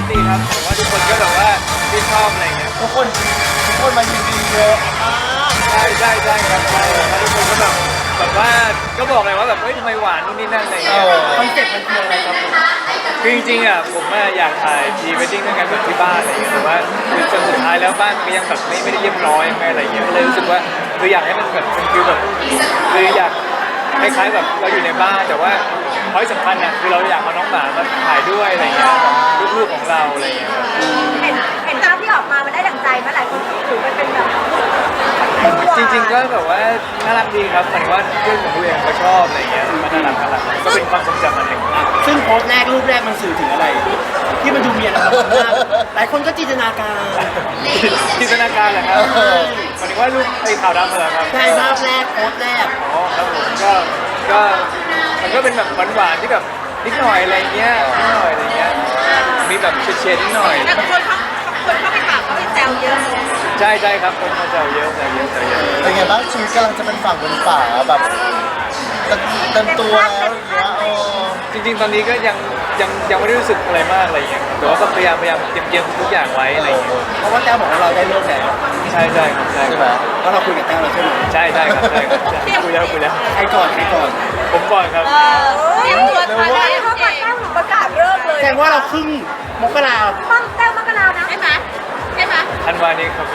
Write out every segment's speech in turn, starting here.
ดีครับผมว่าทุกคนก็แบบว่าที่ชอบอะไรเงี้ยทุกคนมายินดีเยอะมากใช่ครับใช่แล้วทุกคนก็แบบว่าก็บอกเลยว่าแบบเฮ้ยทำไมหวานนู่นนี่นั่นอะไรเงี้ยคอนเซ็ปต์มันคืออะไรครับผมคือจริงๆอ่ะผมอยากถ่ายพรีเวดดิ้งด้วยกันแบบที่บ้านอะไรเงี้ยแต่ว่าคือจนสุดท้ายแล้วบ้านมันก็ยังแบบไม่ได้เรียบร้อยไม่อะไรเงี้ยก็เลยรู้สึกว่าคืออยากให้มันแบบเป็นฟิลแบบคืออยากคล้ายๆแบบเราอยู่ในบ้านแต่ว่าพอยสำคัญอ่ะคือเราอยากเอาน้องหมามาถ่ายด้วยอะไรเงี้ยลูกๆของเราอะไรเงี้ยครับเห็นภาพที่ออกมามันได้ดั่งใจมาหลายคนถือมันเป็นแบบจริงๆก็แบบว่าน่ารักดีครับหมายถึงว่าเพื่อนของตัวเองเขาชอบอะไรเงี้ยมันน่ารักก็เป็นความทรงจำอันหนึ่งซึ่งโพสต์แรกรูปแรกมันสื่อถึงอะไร ที่มันดูมีอนาคตมากหลายคนก็จินตนาการจินตนาการเหรอครับหมายถึงว่ารูปไอ้ขาวดำเหรอครับใช่ภาพแรกโพสต์แรกอ๋อครับผมก็มันก็เป็นแบบหวานๆที่แบบนิดหน่อยอะไรเงี้ยนิดหน่อยอะไรเงี้ยมีแบบเฉดๆนิดหน่อยแต่คนเข้าไปถามเขาไปแซวเยอะใช่ครับคนมาแซวเยอะแซวเยอะเป็นไงบ้างชีวิตกำลังจะเป็นฝั่งเป็นฝาแบบเต็มตัวแล้วอย่างเงี้ยจริงๆตอนนี้ก็ยังไม่ได้รู้สึกอะไรมากอะไรเงี้ยแต่ว่าก็พยายามเตรียมทุกอย่างไว้อะไรเงี้ยเพราะว่าแต้วบอกว่าเราได้เลิกแล้วใช่ครับใช่ไหมแล้วเราคุยกับแต้วแล้วใช่ไหมใช่ครับคุยแล้วใครก่อนใครก่อนผมก่อนครับเตรียมตัวทันได้เข้ามาแต้วประกาศเลิกเลยแสดงว่าเราครึ่งมกราต้องแต้วมกรานะใช่ไหมธันวานี้ครับ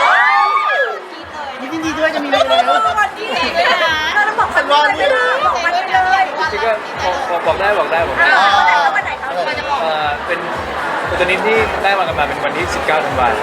ยินดีด้วยจะมีเงินแล้ววันที่ไหนเลยนะเราบอกสัญญาณเลยบอกมันเลยจริงๆก็บอกได้วันไหนครับเป็นตัวนี้ที่ได้มากันมาเป็นวันที่ 19 ธันวาคม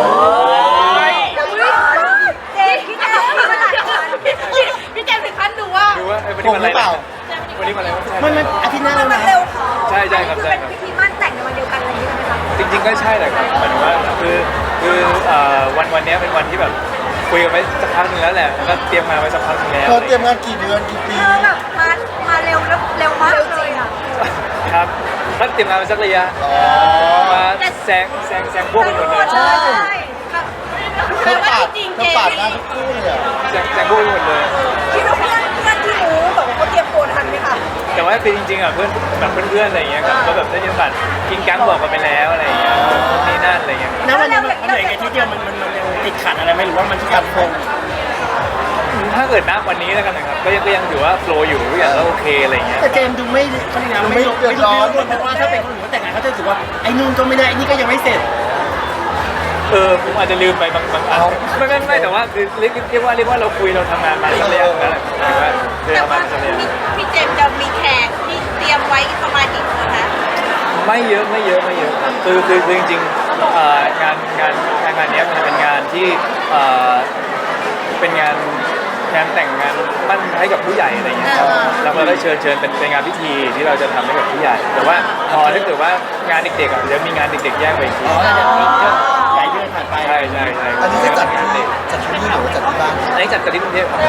พี่เจมส์ถึงขั้นดูว่าดูว่าวันนี้วันอะไรวันนี้วันอะไรมันอาทิตย์หน้าแล้วนะเร็วใช่ครับเป็นพิธีมั่นแต่งในวันเดียวกันอะไรอย่างเงี้ยไหมคะจริงๆก็ใช่แหละครับหมายถึงว่าคือวันนี้เป็นวันที่แบบคุยกันไว้สักพักหนึงแล้วแหละแล้วก็เตรียมงานไว้สักพักหนึงแล้วเธอเตรียมงานกี่เดือนกี่ปีเธอแบบมาเร็วแล้วเร็วมากเลยอ่ะครับถ้าเตรียมงานไว้สักระยะมาแซงพวกกันหมดเลยใช่เธอปาดหน้าทุกคู่เลยอ่ะแซงพวกกันหมดเลยคิดว่าเพื่อนที่รู้บอกว่าเขาเตรียมตัวทันไหมคะแต่ว่าคือจริงๆอ่ะเพื่อนแบบเพื่อนๆอะไรอย่างเงี้ยครับก็แบบได้มีโอกาสกินกังบอกกันไปแล้วอะไรอย่างเงี้ยนี่นั่นอะไรอย่างเงี้ยณวันนี้มันเหนื่อยไงที่เดียวมันยังติดขัดอะไรไหมหรือว่ามันขัดคงถ้าเกิดนับวันนี้แล้วกันนะครับก็ยังถือว่าโฟลว์อยู่ทุกอย่างก็โอเคอะไรอย่างเงี้ยแต่เจมดูไม่เขาเรียกนะไม่เดือดร้อนเพราะว่าถ้าเป็นคนอื่นเขาแต่งงานเขาจะรู้สึกว่าไอ้นู่นก็ไม่ได้ไอ้นี่ก็ยังไม่เสร็จผมอาจจะลืมไปบางอันไม่แต่ว่าคือเรียกว่าเราคุยเราทำงานมาสักระยะแล้วแหละหมายถึงว่าคือแต่เอามาว่าสักระยะพี่เจมส์จะมีแขกที่เตรียมไว้ประมาณกี่คนนะไม่เยอะครับคือจริงๆงานนี้มันจะเป็นงานที่เป็นงานแต่งงานมั่นให้กับผู้ใหญ่อะไรอย่างเงี้ยครับเราก็ได้เชิญเป็นงานพิธีที่เราจะทำให้กับผู้ใหญ่ แต่ว่าพอถ้าเกิดว่างานเด็กๆอ่ะเดี๋ยวมีงานเด็กๆแยกไปอีกทีหลายเดือนผ่านไปใช่อันนี้จะจัดงานเด็กจัดที่นี่หรือว่าจัดที่บ้านอันนี้จัดที่กรุงเทพครับ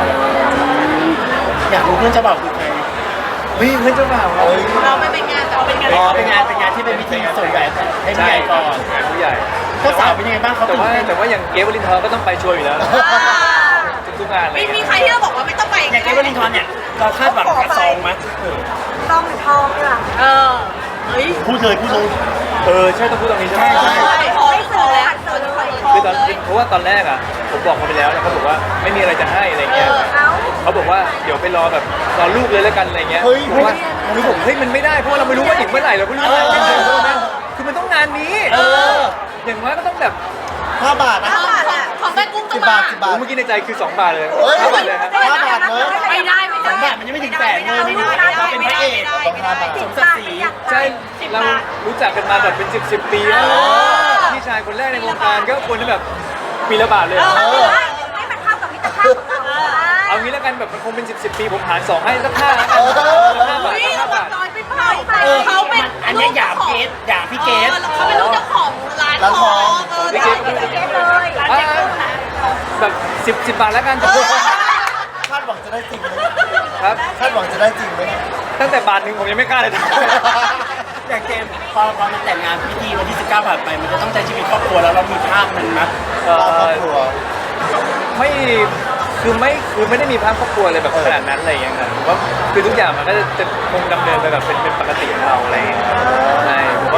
อยากรู้เพื่อนเจ้าบ่าวคือใครเฮ้ยเพื่อนเจ้าบ่าวเราเราไม่เป็นงานแต่เป็นงานอ๋อเป็นงานที่เป็นพิธีส่วนใหญ่ให้ผู้ใหญ่ก่อนงานผู้ใหญ่เจ้าสาวเป็นยังไงบ้างเขาแต่ว่าอย่างเกฟวลินทร์ก็ต้องไปช่วยอยู่แล้วทุกงานเลยมีใครที่เราบอกว่าไม่ต้องไปอย่างเกวลินทอนเนี่ยเราคาดหวังกับซองไหมต้องหรือทองดีกว่าเฮ้ยพูดเลยใช่ต้องพูดตรงนี้ใช่ไหมใช่ไม่ซื้อแล้วซื้อเลยคือเพราะว่าตอนแรกอ่ะผมบอกเขาไปแล้วเขาบอกว่าไม่มีอะไรจะให้อะไรเงี้ย เขาบอกว่าเดี๋ยวไปรอแบบรอลูกเลยแล้วกันอะไรเงี้ยเพราะว่าคือผมเฮ้ยมันไม่ได้เพราะว่าเราไม่รู้ว่าอีกเมื่อไหร่เราไม่รู้ว่าคือมันต้องงานนี้อย่างน้อยก็ต้องแบบ 5 บาทนะของแม่กุ้ง 10 บาท 10 บาทเมื่อกี้ในใจคือ2 บาทเลยเฮ้ย 5 บาทเลยครับ 5 บาทเนอะไม่ได้ไม่สได้องบาทมันยังไม่ถึงแสนเลยนี่เราเป็นพระเอกต้อง5 บาทสมศักดิ์ศรีใช่เรารู้จักกันมาแบบเป็น10 ปีแล้วพี่ชายคนแรกในวงการก็ควรจะแบบปีละบาทเลยให้มันเข้ากับมิตรภาพของเราเอางี้แล้วกันแบบมันคงเป็น10 ปีผมหาร2ให้สัก5แล้วกัน5 บาทนี่ 5 เราบาทจอยไปเผาไปเขาเป็นอันนี้หยาบเกสหยาบพี่เกสเขาเป็นลูกเจ้าของร้านทองร้านเกสเลยร้านเกสเลยแบบ10 บาทแล้วกันคาดหวังจะได้จริงไหมครับคาดหวังจะได้จริงไหมตั้งแต่บาทหนึ่งผมยังไม่กล้าเลยอย่างเกมพอมันแต่งงานพิธีวันที่ 19 ผ่านไปมันจะต้องใช้ชีวิตครอบครัวแล้วเรามีภาพมันนะครอบครัวไม่ไม่ได้มีภาพครอบครัวเลยแบบขนาดนั้นอะไรอย่างเงี้ยครับผมว่าคือทุกอย่างมันก็จะคงดำเนินไปแบบเป็นปกติของเราอะไรอย่างเงี้ยใช่ผมว่ามัน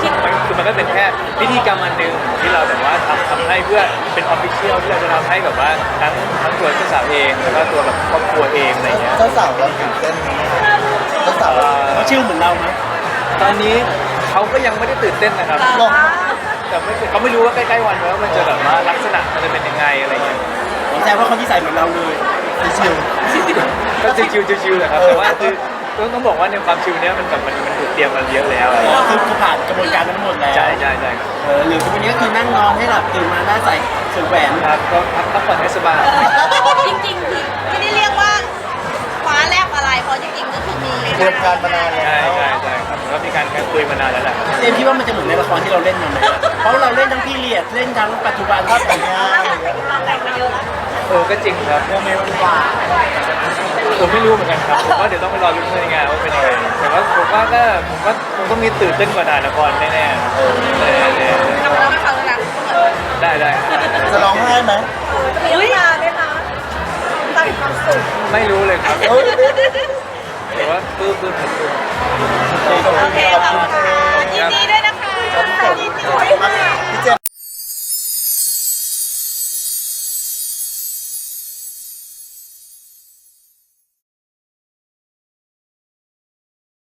คือมันก็เป็นแค่พิธีกรรมอันหนึ่งที่เราแบบว่าทำให้เพื่อเป็นออฟฟิเชียลที่เราจะทำให้แบบว่าทั้งตัวเจ้าสาวเองแล้วก็ตัวแบบครอบครัวเองอะไรเงี้ยเจ้าสาวเราตื่นเต้นไหมเจ้าสาวเราเขาชื่อเหมือนเราไหมตอนนี้เขาก็ยังไม่ได้ตื่นเต้นนะครับลองแต่เขาไม่รู้ว่าใกล้ๆวันว่ามันจะแบบว่าลักษณะมันจะเป็นยังไงอะไรเงี้ยแสดงว่าคนที่ใส่เหมือนเราเลยชิวก็ชิวๆแหละครับแต่ว่าคือต้องบอกว่าในความชิวเนี้ยมันแบบมันถูกเตรียมมาเยอะแล้วอะไรๆเงี้ยคือผ่านกระบวนการทั้งหมดแล้วใช่ครับหรือวันนี้ก็คือนั่งนอนให้หลับตื่นมาหน้าใสสวมแหวนครับก็พักผ่อนให้สบายจริงๆคือไม่ได้เรียกว่าคว้าแลบอะไรเพราะจริงๆก็คือมีเตรียมการมานานแล้ใช่วครับแล้วมีการคุยมานานแล้วแหละครับเจมส์คิดว่ามันจะเหมือนในละครที่เราเล่นมาไหมเพราะเราเล่นทั้งพีเรียดเล่นทั้งปัจจุบันภาพแต่งงานแต่งมาเยอะแล้วก็จริงครับโมเมนต์หวานผมไม่รู้เหมือนกันครับผมว่าเดี๋ยวต้องไปรอลุ้นในงานว่าเป็นยังไงแต่ว่าผมว่าคงต้องมีตื่นเต้นกว่าถ่ายละครแน่ๆทำแล้วไม่ฟังแล้วนะได้จะร้องไห้ไหมจะมีน้ำตาไหมคะตาความสุขไม่รู้เลยครับเอ้ยแต่ว่าปื้มโอเคขอบคุณค่ะยินดีด้วยนะคะยินดีด้วยค่ะ